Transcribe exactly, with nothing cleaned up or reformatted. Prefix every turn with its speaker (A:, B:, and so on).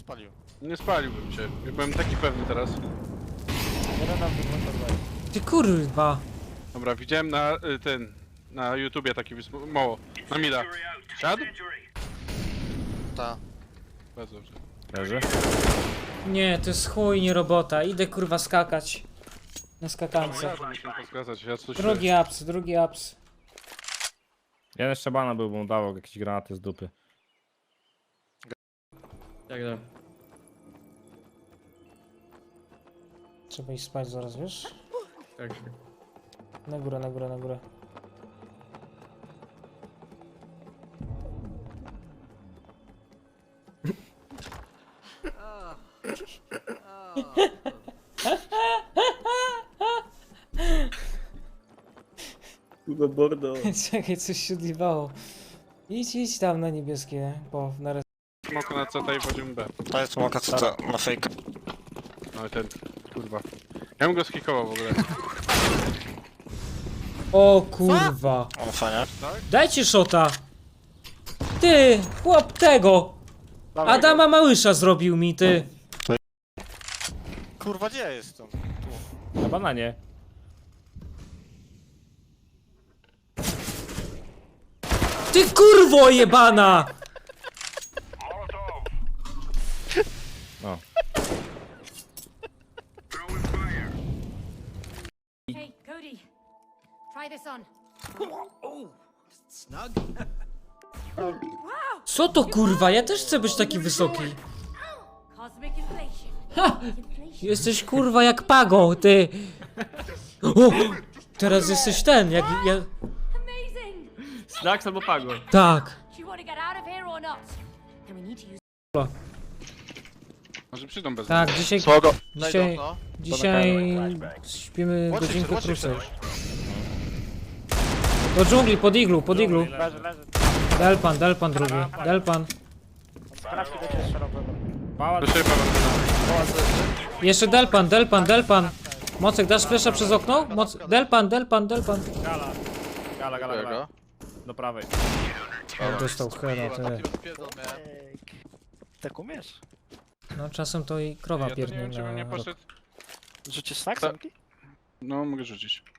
A: spalił.
B: Nie spaliłbym cię. Ja byłem taki pewny teraz.
C: Jeden nam wygląda.
D: Ty kurwa.
B: Dobra, widziałem na y, ten... Na YouTubie taki wysm... Mało. Na mida. Siadł?
A: Ta.
B: Bardzo dobrze.
E: Leży?
D: Nie, to jest chuj, nie robota. Idę kurwa skakać. Na skakance.
B: Ja muszę poskazać, ja coś...
D: Drugi ups, drugi ups.
E: Jeden jeszcze bana był, bo mu dawał jakieś granaty z dupy.
F: Jak da?
D: Trzeba iść spać zaraz, wiesz?
F: Tak.
D: Na górę, na górę, na górę.
F: Kuba bordo.
D: Czekaj, coś się odjebało. Idź, idź tam na niebieskie, bo na res...
B: Smoko na C T i wchodzimy B.
A: To jest smoka co to na fake.
B: No i ten... Kurwa. Ja bym go skikował w ogóle.
D: O kurwa.
A: On fajnie.
D: Dajcie szota. Ty, chłop tego. Adama Małysza zrobił mi, ty.
A: Kurwa, gdzie ja jestem?
E: Na bananie.
D: Ty kurwo jebana.
E: No.
G: Hey, Cody, try this on.
D: Co to kurwa? Ja też chcę być taki wysoki.
G: Cosmic inflation.
D: Ha!
G: Inflation.
D: Jesteś kurwa jak Pago, ty. O! Teraz jesteś ten, jak ja...
G: Amazing!
F: Snacks albo pago.
D: Tak.
G: Do you want to get out of here or not? And we need to use.
B: Może przyjdą bez
D: Tak, dzisiaj...
A: Smogo.
D: Dzisiaj...
A: No.
D: Dzisiaj... Śpimy
A: Watch
D: godzinkę
A: it, watch it.
D: krócej. Do dżungli, pod iglu, pod iglu.
C: Leży, leży.
D: Delpan, delpan drugi. Delpan.
C: Sprawdźcie do ciebie szerokiego.
E: Mała...
B: Do siebie Paweł.
D: Jeszcze delpan, delpan, delpan. Mocek, dasz flesza przez okno? Moc... Delpan, delpan, delpan.
E: Gala. Gala, gala, gala. Do prawej.
D: Dostał heada, ty.
C: Tak umiesz?
D: No czasem to i krowa
B: Ja to nie
D: pierdnie
B: wiem, czy bym
D: na
B: nie
D: rok.
B: poszedł...
C: Rzucisz snack,
B: Ta-
C: samki?
B: No, mogę rzucić.